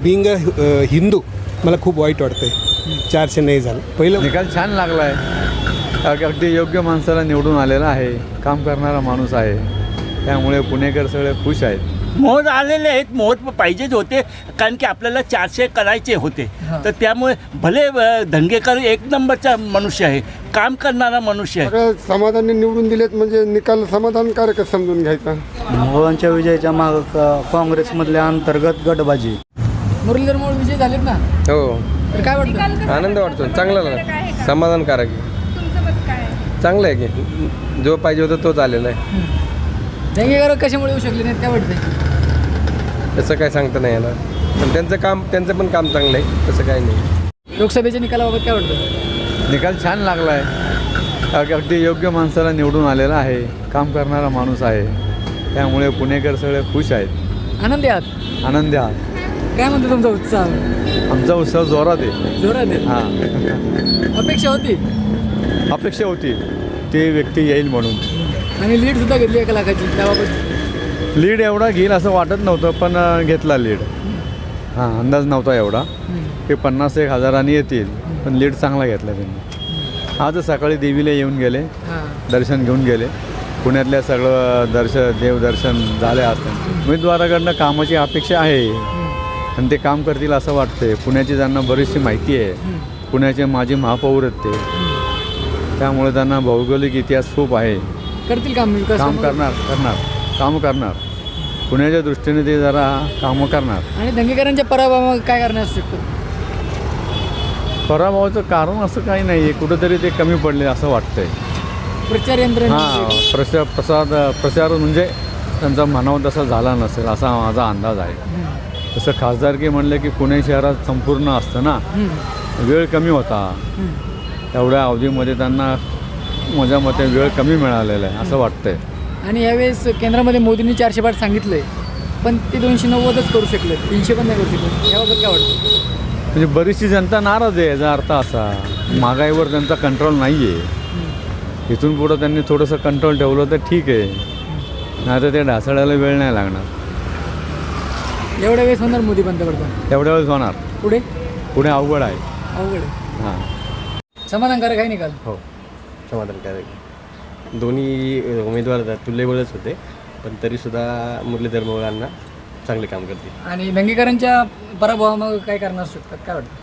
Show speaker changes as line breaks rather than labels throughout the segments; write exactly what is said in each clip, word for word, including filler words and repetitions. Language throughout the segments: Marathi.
बिंग हिंदू मला खूप वाईट वाटतंय चारशे नाही झालं. पहिलं
निकाल छान लागला आहे. अगदी योग्य माणसाला निवडून आलेला आहे. काम करणारा माणूस आहे. त्यामुळे पुणेकर सगळे खुश आहेत.
मोहर आलेले आहेत. मोहर पाहिजेच होते कारण की आपल्याला चारशे करायचे होते. तर त्यामुळे भले अ, धंगेकर एक नंबरचा मनुष्य आहे. काम करणारा मनुष्य आहे.
सगळ्या समाधानी निवडून दिलेत म्हणजे निकाल समाधानकारक समजून घ्यायचा.
मोहनच्या विजयाच्या माग काँग्रेसमधल्या अंतर्गत गटबाजी.
मुरलीधर मोहोळ विजय झालेत ना,
हो,
तर काय वाटतं?
आनंद वाटतो. चांगला समाधानकारक आहे. चांगलं आहे की जो पाहिजे होता तोच आलेला आहे.
धंगेकर कशामुळे येऊ शकले नाहीत काय वाटतं?
तसं काय सांगता नाही येणार. पण त्यांचं काम त्यांचं पण काम चांगलं आहे. तसं काही नाही.
लोकसभेच्या निकालाबाबत काय वाटतं?
निकाल छान लागला आहे. अगदी योग्य माणसाला निवडून आलेला आहे. काम करणारा माणूस आहे. त्यामुळे पुणेकर सगळे खुश आहेत.
आनंदी आहात?
आनंदी आहात.
काय म्हणतो तुमचा उत्साह?
आमचा उत्सव जोरात आहे.
जोरात आहे.
हां,
अपेक्षा होती
अपेक्षा होती ती व्यक्ती येईल म्हणून.
आणि लीड सुद्धा घेतली एका लाखाची. त्याबाबत
लीड एवढा घेईल असं वाटत नव्हतं, पण अ, घेतला लीड. हां, अंदाज नव्हता एवढा की पन्नास एक हजारांनी येतील, पण लीड चांगला घेतला त्यांनी. आज सकाळी देवीला येऊन गेले,
हां
दर्शन घेऊन गेले. पुण्यातल्या सगळं दर्शन देवदर्शन झाले असतं. उमेदवाराकडनं कामाची अपेक्षा आहे आणि ते काम करतील असं वाटतंय. पुण्याची त्यांना बरीचशी माहिती आहे. पुण्याचे माजी महापौर आहेत ते, त्यामुळे त्यांना भौगोलिक इतिहास खूप आहे.
करतील काम विकास
काम
कामं?
करणार करणार काम करणार पुण्याच्या दृष्टीने ते जरा कामं करणार.
आणि धंगेकरांच्या पराभवावर काय करण्यास शकतो?
पराभवाचं कारण असं काही नाही आहे. कुठंतरी ते कमी पडले असं वाटतंय.
प्रचार यंत्रणा
हां, प्रचार प्रसाद प्रचार म्हणजे त्यांचा म्हणावा तसा झाला नसेल असा माझा अंदाज आहे. तसं खासदारकी म्हणलं की पुणे शहरात संपूर्ण असतं ना, वेळ कमी होता. एवढ्या अवधीमध्ये त्यांना माझ्या मते वेळ कमी मिळालेला आहे असं वाटतंय.
आणि यावेळेस केंद्रामध्ये मोदींनी चारशे पाठ सांगितलंय, पण ते दोनशे नव्वदच करू शकले, तीनशे पण नाही करू शकले. याबाबत काय वाटतं?
म्हणजे बरीचशी जनता नाराज आहे. याचा अर्थ असा महागाईवर त्यांचा कंट्रोल नाही आहे. इथून पुढं त्यांनी थोडंसं कंट्रोल ठेवलं तर ठीक आहे, नाही तर ते ढासळायला वेळ नाही लागणार.
एवढ्या वेळेस होणार मोदी पंतप्रधान?
एवढ्या वेळेस होणार.
पुढे
पुढे अवघड आहे.
अवघड आहे.
हां,
समाधानकारक आहे निकाल?
हो, समाधानकारक. दोन्ही उमेदवार तुल्यबळच होते, पण तरीसुद्धा मुरलीधर मोहोळांना चांगले काम करतील.
आणि धंगेकरांच्या पराभवामागं काय करणार शकतात काय वाटतं?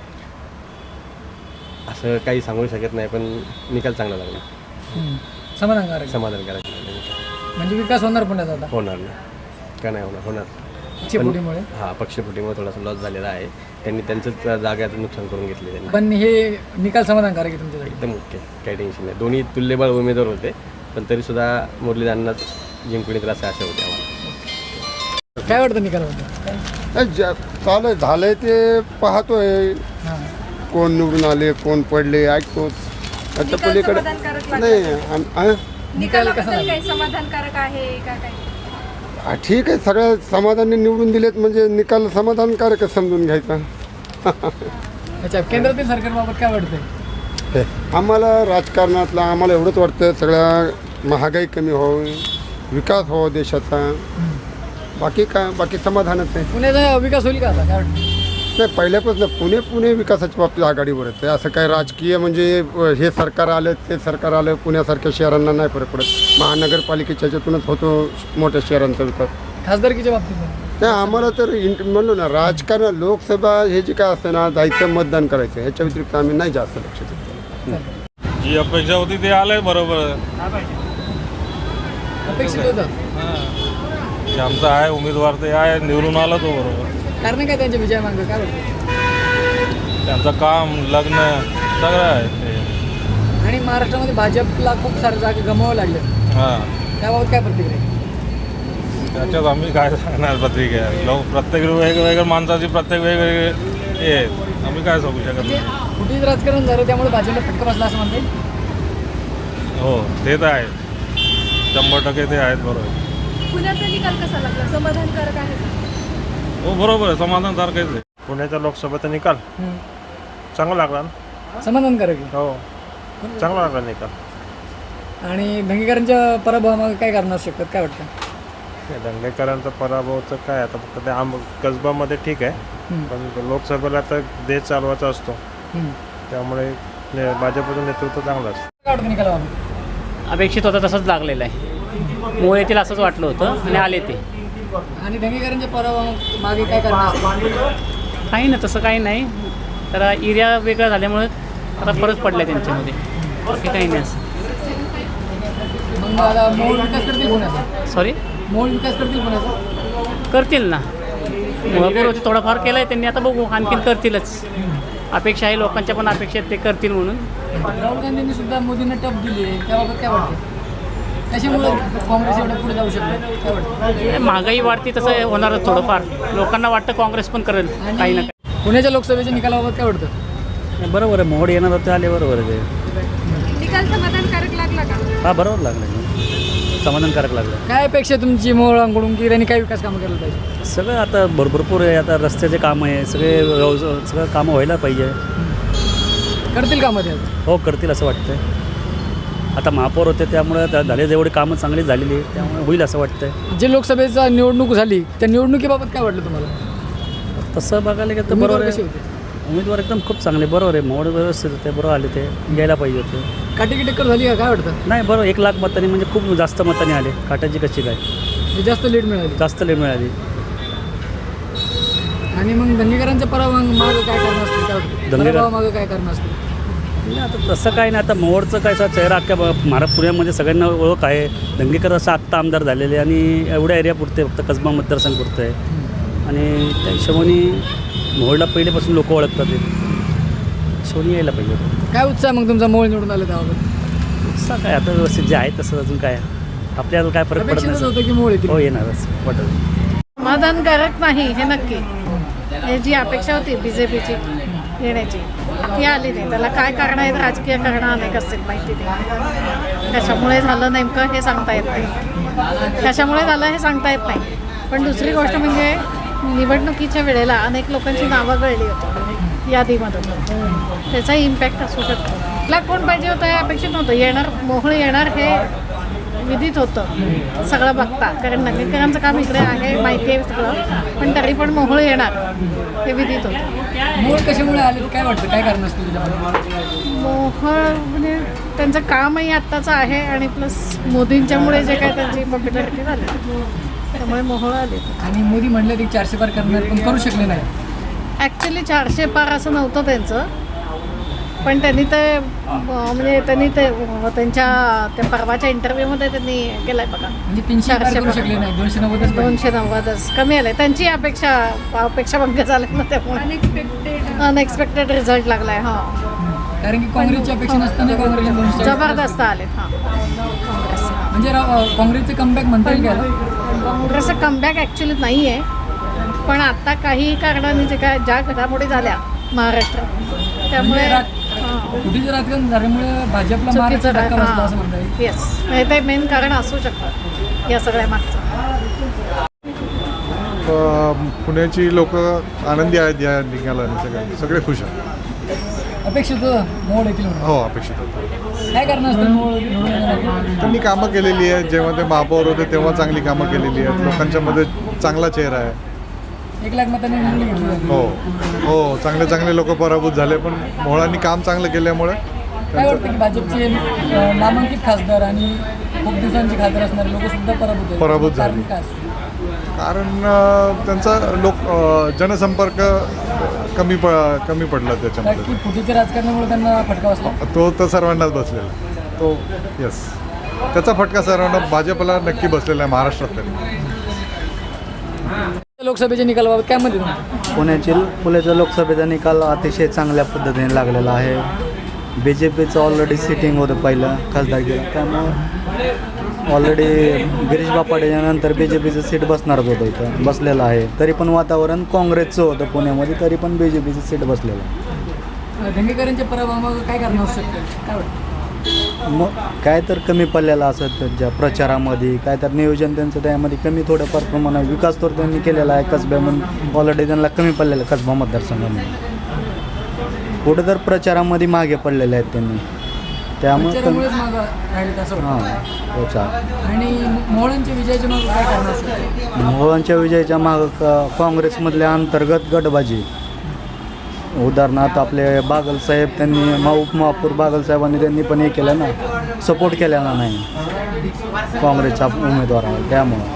असं काही सांगू शकत नाही, पण निकाल चांगला लागला.
समाधानकारक.
समाधानकारक
म्हणजे विकास होणार पुण्याचा आता
होणार ना, का नाही होणार? होणार.
पक्षफुटीमुळे.
हां, पक्षफुटीमुळे थोडासा लॉस झालेला आहे. त्यांनी त्यांचंच जाग्याचं नुकसान करून घेतले त्यांनी.
पण हे निकाल समाधानकारक आहे तुमच्यासाठी?
एकदम ओके, काही टेन्शन नाही. दोन्ही तुल्यबळ उमेदवार होते, पण तरीसुद्धा मुरलीधरांनाच जिंकून येतील असं आशा होती आम्हाला.
काय वाटतं निकालाबद्दल?
ज- चालू झालंय ते पाहतोय.
हां,
कोण निवडून आले कोण पडले ऐकतोच. आता पलीकडे नाही आम- आ?
निकाल कसा लागला?
काही समाधानकारक आहे का काय?
आ, ठीक आहे. सगळ्या समाधानी निवडून दिलेत म्हणजे निकाल समाधानकारक समजून घ्यायचा.
अच्छा, केंद्रातील सरकारबाबत काय वाटतंय?
हे, आम्हाला राजकारणातलं आम्हाला एवढंच वाटतं सगळ्या महागाई कमी व्हावी, विकास व्हावा देशाचा. बाकी काय, बाकी समाधानच आहे.
पुण्याचा विकास होईल का आता काय वाटतं?
नाही, पहिल्यापासून पुणे पुणे विकासाच्या बाबतीत आघाडीवर आहे. असं काय राजकीय म्हणजे हे सरकार आलं ते सरकार आलं पुण्यासारख्या शहरांना नाही फरक पडत. महानगरपालिकेच्या ह्याच्यातूनच होतो मोठ्या शहरांचा विकास.
खासदारकीच्या बाबतीत पण?
नाही, आम्हाला तर इंट म्हणलो ना राजकारण लोकसभा हे जे काय असतं ना जायचं मतदान करायचं ह्याच्या व्यतिरिक्त आम्ही नाही जास्त लक्ष देतो.
जी अपेक्षा होती ते आलंय बरोबर.
अपेक्षित होतं?
जे आमचा आहे उमेदवार ते आहे, निवडून आला तो बरोबर.
कारण काय त्यांच्या विजयामागं काय वाटतं?
त्यांचं काम लग्न सगळं आहे ते.
आणि महाराष्ट्रामध्ये भाजपला खूप सारे जागा गमावं लागले,
हां,
त्याबाबत काय प्रतिक्रिया?
त्याच्यात आम्ही काय सांगणार प्रतिक्रिया. लोक प्रत्येक वेगवेगळ्या माणसाची प्रत्येक वेगवेगळे हे आहेत. आम्ही काय सांगू शकत
म्हणजे
नाही.
कुठेच राजकारण झालं त्यामुळे भाजपला फटका बसला असं म्हणता येईल?
हो, ते तर आहे, शंभर टक्के ते आहेत बरोबर.
पुण्याचा निकाल कसा लागला? समाधानकारक आहे का?
हो, बरोबर आहे, समाधानसारखंच आहे.
पुण्याच्या लोकसभेचा निकाल
हम्म.
चांगला लागला ना?
समाधानकारक आहे.
हो, चांगला लागला निकाल.
आणि धंगेकरांच्या पराभवामागं काय करणार शकतात काय वाटतं?
दंगेकरांचा पराभवचं काय आता फक्त ते आम कसबामध्ये ठीक आहे, पण लोकसभेला तर देश चालवायचा असतो, त्यामुळे ने- भाजपचं नेतृत्व चांगलं असतं.
काय वाटतं निकालाबाबत?
अपेक्षित होतं तसंच लागलेलं आहे. मूळ येथील असंच वाटलं होतं आणि आले ते.
आणि दंगेकरांच्या पराभवा मागे काय कारण असतं?
काही ना तसं काही नाही, तर एरिया वेगळा झाल्यामुळे आता फरक पडला त्यांच्यामध्ये, बाकी काही नाही असं.
मग आता मोहोळ विकास करतील पुण्याचा?
सॉरी
मोहोळ विकास करतील पुण्याचा?
करतील ना, मुळापूर थोडाफार केलं आहे त्यांनी, आता बघू आणखीन करतीलच. अपेक्षा आहे लोकांच्या पण अपेक्षा आहेत ते करतील म्हणून.
राहुल गांधींनी सुद्धा मोदींना टप दिली आहे, त्याबाबत काय वाटतं? कशामुळे काँग्रेस एवढं पुढे जाऊ शकतो काय वाटतं?
महागाई वाढती तसं होणारच थोडंफार. लोकांना वाटतं काँग्रेस पण करेल काही ना काही.
पुण्याच्या लोकसभेच्या निकालाबाबत काय वाटतं?
बरोबर आहे, मोड येणार होते आले, बरोबर आहे.
निकाल समाधानकारक लागला का?
हा बरोबर लागलं, समाधानकारक लागलं.
काय अपेक्षा आहे तुमची मोहोळांकडून की त्यांनी काय विकास कामं केलं पाहिजे?
सगळं आता भर भरपूर आहे, आता रस्त्याचे कामं आहे, सगळे व्यवसाय सगळं कामं व्हायला पाहिजे.
करतील कामं ते?
हो करतील असं वाटतंय. आता महापौर होते त्यामुळे त्या झाले जेवढी कामं चांगली झालेली आहे त्यामुळे होईल असं वाटतंय.
जे लोकसभेचा निवडणूक झाली त्या निवडणुकीबाबत काय वाटलं तुम्हाला?
तसं बघायला गेलं तर
उमेदवार
बरोबर
कसे
आहे.
होते?
उमेदवार एकदम खूप चांगले, बरोबर आहे. मोड व्यवस्थित होते, बरोबर आले ते, यायला पाहिजे होते.
काटेकी टक्कर झाली का काय वाटतं?
नाही बरोबर, एक लाख मतांनी म्हणजे खूप जास्त मतांनी आले. काटाची कशी काय
म्हणजे जास्त लीड मिळाली
जास्त लीड मिळाली.
आणि मग दंगेकरांच्या पराभवा मागं काय कारण असते? काय वाटतं?
दंगेकर-
पराभवामागं काय कारण असते?
नाही आता तसं काय नाही. आता मोहोळचं काय असा चेहरा अख्ख्या महाराष्ट्र पुण्यामध्ये सगळ्यांना ओळख आहे. दंगेकर असं आत्ता आमदार झालेले आणि एवढ्या एरिया पुरते फक्त कसबा मतदारसंघ पुरतं आहे आणि त्या हिशोबाने मोहोळला पहिलेपासून लोक ओळखतात. ते हिशोबाने यायला पाहिजे.
काय उत्साह मग तुमचा मोहोळ निवडून आला त्याबाबत?
असं काय आता व्यवस्थित जे आहे तसं अजून काय आपल्याला काय फरक पडत
अपेक्षितच
नाही.
होतं की मोहोळ येतील?
हो येणारच वाटत.
समाधानकारक नाही हे नक्की. हे जी अपेक्षा होती बी जे पीची येण्याची ती आली नाही. त्याला काय कारण आहेत, राजकीय कारणं अनेक असतील, माहिती नाही. कशामुळे झालं नेमकं हे सांगता येत नाही. कशामुळे झालं हे सांगता येत नाही. पण दुसरी गोष्ट म्हणजे निवडणुकीच्या वेळेला अनेक लोकांची नावं गळली होती यादीमधून, त्याचा इम्पॅक्ट असू शकतो. आपला कोण पाहिजे होतं हे अपेक्षित नव्हतं. येणार मोहोळ येणार हे विदित होतं सगळं बघता, कारण दंगेकरांचं काम इकडे आहे माहिती आहे सगळं, पण तरी पण मोहोळ येणार हे विदित होतं.
मोहोळ कशामुळे आले काय वाटतं? काय कारण असतं त्याच्यामध्ये?
मोहोळ म्हणजे त्यांचं कामही आत्ताचं आहे आणि प्लस मोदींच्यामुळे जे काय त्यांची पॉप्युलॅरिटी झाली त्यामुळे मोहोळ आले.
आणि मोदी म्हणले की चारशे पार करणार पण करू शकले नाही.
ॲक्च्युली चारशे पार असं नव्हतं त्यांचं, पण त्यांनी ते म्हणजे त्यांनी ते त्यांच्या त्या परवाच्या इंटरव्ह्यूमध्ये त्यांनी केलं आहे बघा.
म्हणजे तीनशे पार करू शकले नाही, दोनशे नव्वदच
दोनशे नव्वदच कमी आलं. त्यांची अपेक्षा अपेक्षाभंग झाले ना, त्यामुळे अनएक्सपेक्टेड अनएक्सपेक्टेड रिझल्ट लागला आहे. हां,
कारण की काँग्रेसची अपेक्षा नसताना काँग्रेसचे दोनशे
जबरदस्त आलेत. हां, काँग्रेस
म्हणजे रा- काँग्रेसचे कमबॅक म्हणता येईल का?
काँग्रेसचं कमबॅक ॲक्च्युली नाही आहे, पण आत्ता काही कारणांनी जे काय ज्या घडामोडी झाल्या महाराष्ट्रात त्यामुळे
कुठेच राजकारण झाल्यामुळे भाजपला महाराष्ट्र धक्का बसला असं म्हणता येईल.
येस, हे ते मेन कारण असू शकतं या सगळ्या मागचं.
पुण्याची लोक आनंदी आहेत या निकालाने, सगळे सगळे खुश आहेत.
अपेक्षित होतं मोहोळ येतील म्हणून.
हो अपेक्षित होतं.
काय कारण असतं मोहोळ निवडून येण्यामागे?
त्यांनी कामं केलेली आहेत. जेव्हा ते महापौर होते तेव्हा चांगली कामं केलेली आहेत. लोकांच्या मध्ये चांगला चेहरा आहे.
एक लाख मतांनी निवडून घेतली.
हो हो चांगले चांगले लोक पराभूत झाले, पण मोहोळांनी काम चांगलं केल्यामुळे.
काय वाटतं की भाजपचे अं, नामांकित खासदार आणि खूप दिवसांचे खासदार असणारे लोक सुद्धा पराभूत आहेत.
पराभूत
कारण
झाले.
काय असतं?
कारण अं, त्यांचा लोक अं, जनसंपर्क कमी प कमी पडला
कारण
त्याच्यामध्ये.
की फुटीच्या राजकारणामुळे त्यांना फटका बसला.
तो तर सर्वांनाच बसलेला तो. येस, त्याचा फटका सर्वांना भाजपला नक्की बसलेला आहे महाराष्ट्रात तरी.
लोकसभेच्या निकालाबाबत काय म्हणते तुम्ही?
पुण्याची पुण्याच्या लोकसभेचा निकाल अतिशय चांगल्या पद्धतीने लागलेला आहे. बी जे पीचं ऑलरेडी सिटिंग होतं पहिलं खासदारकीला, त्यामुळं ऑलरेडी गिरीश बापाडेच्या नंतर बी जे पीचं सीट बसणारच होतं, इथं बसलेलं आहे. तरी पण वातावरण काँग्रेसचं होतं पुण्यामध्ये, तरी पण बी जे पीचं सीट बसलेलं आहे.
दंगेकरांच्या पराभवामागं काय कारण असू शकतं काय वाटतं?
मग काय तर कमी पडलेलं असं त्यांच्या प्रचारामध्ये, काय तर नियोजन त्यांचं त्यामध्ये कमी थोडंफार प्रमाणात. विकास तर त्यांनी केलेला आहे कसब्यामध्ये, ऑलरेडी त्यांना कमी पडलेलं कसबा मतदारसंघामध्ये. कुठं तर प्रचारामध्ये मागे पडलेले आहेत त्यांनी. त्यामुळे
प्रचारामुळेच मागं राहिले असं
हां
वाटतं.
तोच आहे.
आणि मोहळांच्या विजयाच्या मागं काय कारण असेल?
मोहळांच्या विजयाच्या मागं क- काँग्रेसमधल्या अंतर्गत गटबाजी, उदाहरणार्थ आपले बागलसाहेब त्यांनी मा उपमहापौर बागलसाहेबांनी त्यांनी पण हे केलं ना, सपोर्ट केलेला नाही काँग्रेसच्या उमेदवाराला, त्यामुळं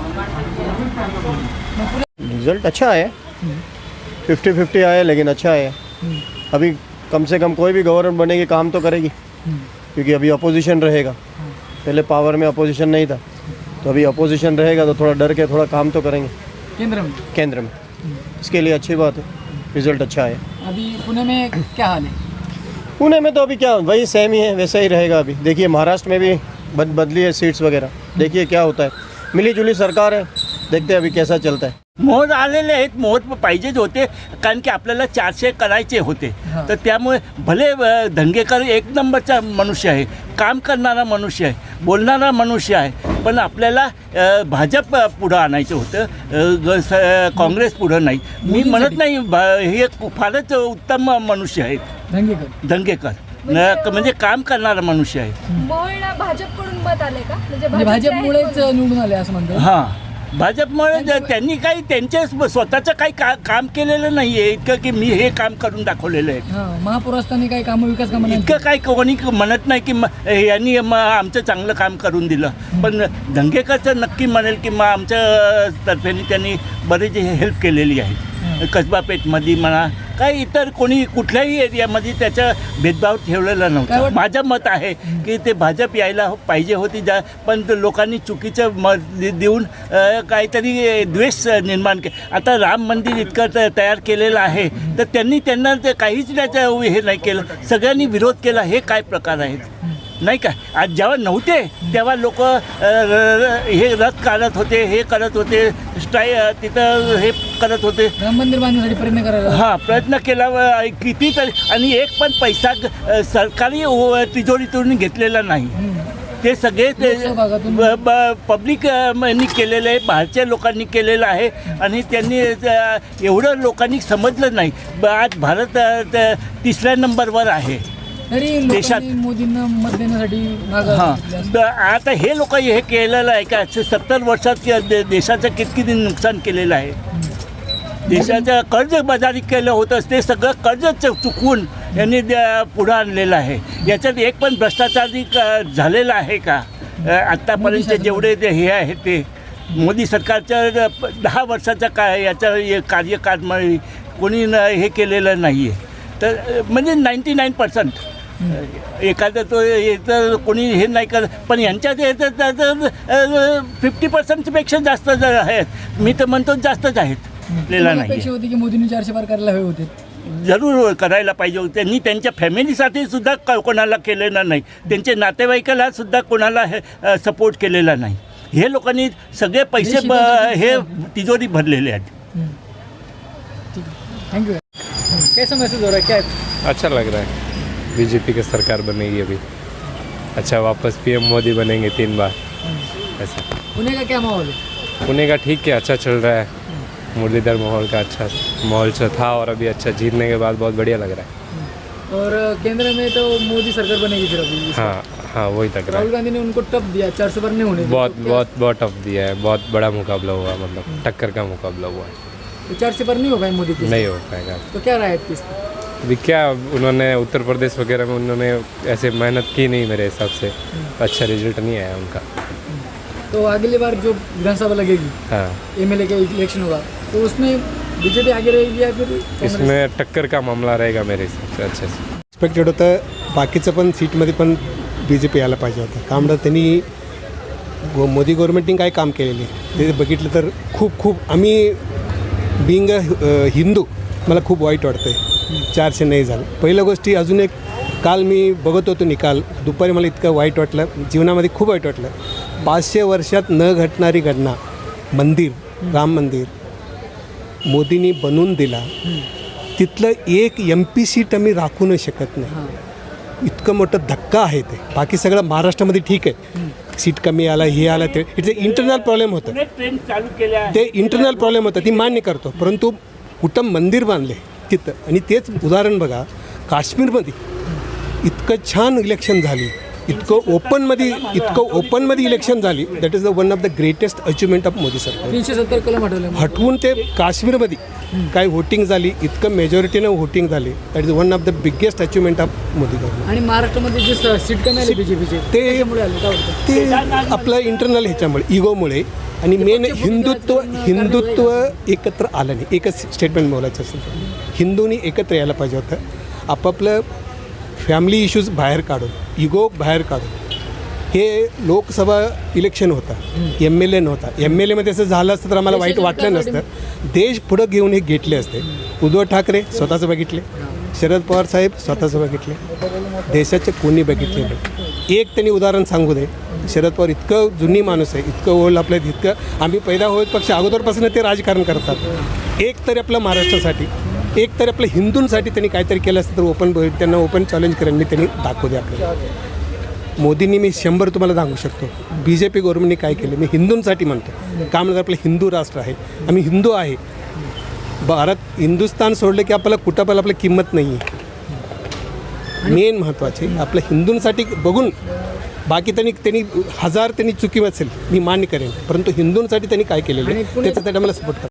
रिजल्ट अच्छा है, फिफ्टी फिफ्टी आया लेकिन अच्छा है। अभी कम से कम कोई भी गवर्नमेंट बनेगी काम तो करेगी, क्योंकि अभी अपोजिशन रहेगा। पहले पावर में अपोजिशन नहीं था, तो अभी अपोजिशन रहेगा तो थोड़ा डर के थोड़ा काम तो करेंगे
केंद्र में
केंद्र में। इसके लिए अच्छी बात है, रिजल्ट अच्छा है।
अभी पुणे में क्या हाल है?
पुणे में तो अभी क्या वही सेम ही है, वैसा ही रहेगा। अभी देखिए महाराष्ट्र में भी बद बदली है सीट्स वगैरह, देखिए क्या होता है। मिली जुली सरकार है, देखते हैं अभी कैसा चलता है।
मोहर आलेले आहेत, मोहर पाहिजेच होते, कारण की आपल्याला चारशे करायचे होते. तर त्यामुळे भले अ, दंगेकर एक नंबरचा मनुष्य आहे, काम करणारा मनुष्य आहे, बोलणारा मनुष्य आहे, पण आपल्याला अ, भाजप पुढं आणायचं होतं, अ, ग- स- काँग्रेस पुढं नाही. मी म्हणत नाही, भा- हे फारच उत्तम मनुष्य आहेत
दंगेकर
दंगेकर, न- म्हणजे काम करणारा मनुष्य आहे.
मोहळला भाजपकडून मत आले का? म्हणजे
म्हणजे भाजपमुळेच निवडून आले असं म्हणतो.
हां, भाजपमुळे ज- त्यांनी काही त्यांचे स्वतःचं काही का काम केलेलं नाही आहे इतकं की मी हे काम करून दाखवलेलं आहे.
हां, महापौर असताना काही कामं विकास कामं नाही.
इतकं काही कोणी म्हणत नाही की म यांनी म आमचं चांगलं काम करून दिलं, पण दंगेकरचं नक्की म्हणेल की मग आमच्या तर्फेने त्यांनी बरेच हेल्प केलेली आहे. कसबा पेठमध्ये म्हणा, काही इतर कोणी कुठल्याही एरियामध्ये त्याचा भेदभाव ठेवलेला नव्हता. माझं मत आहे की ते भाजप यायला पाहिजे होती, जा पण ते लोकांनी चुकीचं मत दे- देऊन अ, काहीतरी द्वेष निर्माण के आता राम मंदिर इतकं त- तयार केलेलं आहे, तर त्यांनी त्यांना ते काहीच त्याचं हे नाही केलं, सगळ्यांनी विरोध केला. हे काय प्रकार आहेत नाही का? आज जेव्हा नव्हते तेव्हा लोक हे रथ काढत होते, हे करत होते, स्टाय तिथं हे करत होते,
राम मंदिर बांधण्यासाठी प्रयत्न करायला.
हां, प्रयत्न केला व कितीतरी, आणि एक पण पैसा अ, सरकारी व तिजोरीतून घेतलेला नाही. ते सगळे ते
लोकसहभागातून.
ब- ब- पब्लिक अ, यांनी केलेलं आहे, बाहेरच्या लोकांनी केलेलं आहे, आणि त्यांनी अ, एवढं लोकांनी समजलं नाही. ब- आज भारत अ, त- तिसऱ्या नंबरवर आहे
तरी
देशात.
लोकांनी मोदींना मत देण्यासाठी मागं
हां,
घेतले
ब- आता हे लोक हे केलेलं आहे का? सत्तर वर्षात कि- दे- देशाचं किती नुकसान केलेलं आहे. देशाचं कर्जबाजारी केलं होतं, ते सगळं कर्ज च- चुकवून यांनी द- पुढं आणलेलं आहे. याच्यात एक पण भ्रष्टाचारी क- झालेला आहे का? अ, आत्तापर्यंत जेवढे ते हे आहे ते मोदी सरकारच्या प- दहा वर्षाचा काय याचं हे कार्यकाळ कोणी न- हे केलेलं नाही आहे. तर अ, म्हणजे नाईंटी नाईन पर्सेंट एखादं तो याचं कोणी हे नाही करत, पण यांच्यात याचं त्याचं फिफ्टी पर्सेंटपेक्षा जास्त ज- आहेत. मी तर म्हणतो जास्तच आहेत. आपल्याला नाही
अपेक्षा होती की मोदींनी चारशे पार करायला हवे होते.
जरूर करायला पाहिजे होतं. त्यांनी त्यांच्या फॅमिलीसाठी सुद्धा क- कोणाला केलेलं नाही, त्यांच्या नातेवाईकाला सुद्धा कोणाला हे सपोर्ट केलेला नाही. हे लोकांनी सगळे पैसे ब- हे तिजोरी भरलेले आहेत.
Thank you. कैसा महसूस हो रहा है? क्या
अच्छा लग रहा है, बीजेपी की सरकार बनेगी अभी, अच्छा वापस पीएम मोदी बनेंगे तीन बार ऐसा।
पुणे का क्या माहौल है?
पुणे का ठीक है, अच्छा चल रहा है, मुरलीधर माहौल का अच्छा माहौल से था और अभी अच्छा जीतने के बाद बहुत बढ़िया लग रहा है।
और केंद्र में तो मोदी सरकार बनेगी फिर अभी.
हाँ हाँ वही लग रहा
राहुल
है।
गांधी ने उनको टप दिया, चार सौ पार नहीं होने दिया.
बहुत
तो क्या-
बहुत बहुत टफ दिया है, बहुत बड़ा मुकाबला हुआ, मतलब टक्कर का मुकाबला हुआ है।
तो चार से पार नहीं होगा मोदी की.
नहीं हो पाएगा।
तो क्या राय है किस?
अभी क्या उन्होंने उत्तर प्रदेश वगैरह में उन्होंने ऐसे मेहनत की नहीं मेरे हिसाब से, अच्छा रिजल्ट नहीं आया उनका।
तो अगली बार जो विधानसभा लगेगी,
हाँ
एमएलए का इलेक्शन होगा, तो उसमें बीजेपी आगे रहेगी या फिर कांग्रेस?
इसमें टक्कर का मामला रहेगा मेरे हिसाब से अच्छे से।
एक्सपेक्टेड होतं बाकीचं पण सीटमध्ये पण बी जे पी यायला पाहिजे होतं. का म्हणतात त्यांनी गो मोदी गव्हर्नमेंटने काय काम केलेले ते बघितलं तर खूप खूप आम्ही बिंग हिंदू मला खूप वाईट वाटतं आहे चारशे नाही झालं. पहिल्या गोष्टी अजून एक काल मी बघत होतो निकाल, दुपारी मला इतकं वाईट वाटलं, जीवनामध्ये खूप वाईट वाटलं. पाचशे वर्षात न घडणारी घटना, मंदिर, राम मंदिर मोदींनी बनवून दिला, तिथलं एक एम पी सीट आम्ही राखू नाही शकत नाही. इतकं मोठं धक्का आहे ते. बाकी सगळं महाराष्ट्रामध्ये ठीक आहे, सीट कमी आला, हे आला, ते इट्स इंटरनल प्रॉब्लेम होतं,
ट्रेन चालू केल्या
ते इंटरनल प्रॉब्लेम होतं, ती मान्य करतो. परंतु कुठं मंदिर बांधले तिथं, आणि तेच उदाहरण बघा काश्मीरमध्ये इतकं छान इलेक्शन झाली, इतकं ओपनमध्ये इतकं ओपनमध्ये इलेक्शन झाली. That is the one of the greatest achievement of Modi सरकार.
तीनशे सत्तर कलम हटवले
हटवून ते काश्मीरमध्ये काय व्होटिंग झाली, इतकं मेजॉरिटीनं व्होटिंग झाली. That is one of the biggest achievement of Modi government.
आणि महाराष्ट्रामध्ये जे स- सीट कमी आली बीजेपीचे
ते
त्याच्यामुळे आले काय वाटतं?
ते आपलं इंटरनल ह्याच्यामुळे इगोमुळे आणि मेन हिंदुत्व हिंदुत्व एकत्र आलं नाही. एकच स्टेटमेंट बोलायचं असेल तर हिंदूंनी एकत्र यायला पाहिजे होतं. आपापलं फॅमिली इश्यूज बाहेर काढून, इगो बाहेर काढून. हे लोकसभा इलेक्शन होतं, एम एल ए नव्हता. एम एल एमध्ये असं झालं असतं तर आम्हाला वाईट वाटलं नसतं. देश पुढं घेऊन हे घेतले असते. उद्धव ठाकरे स्वतःचं बघितले, शरद पवार साहेब स्वतःचं बघितले, देशाचे कोणी बघितले नाही. एक त्यांनी उदाहरण सांगू दे. शरद पवार इतकं जुनी माणूस आहे, इतकं ओळख आपलं, इतकं आम्ही पैदा होत पक्ष अगोदरपासून ते राजकारण करतात. एक तरी आपलं महाराष्ट्रासाठी, एक तरी आपल्या हिंदूंसाठी त्यांनी काहीतरी केलं असतं तर ओपन त्यांना ओपन चॅलेंज करेन मी, त्यांनी दाखवू दे आपल्याला. मोदींनी मी शंभर तुम्हाला सांगू शकतो. बी जे पी गव्हर्नमेंटने काय केलं मी हिंदूंसाठी म्हणतो. का म्हणजे आपलं हिंदू राष्ट्र आहे, आम्ही हिंदू आहे. भारत हिंदुस्थान सोडलं की आपल्याला कुठं पण आपलं किंमत नाही आहे. मेन महत्त्वाचे आपल्या हिंदूंसाठी बघून, बाकी त्यांनी त्यांनी हजार त्यांनी चुकी असेल मी मान्य करेन, परंतु हिंदूंसाठी त्यांनी काय केलेलं आहे त्याच्यासाठी आम्हाला सपोर्ट करा.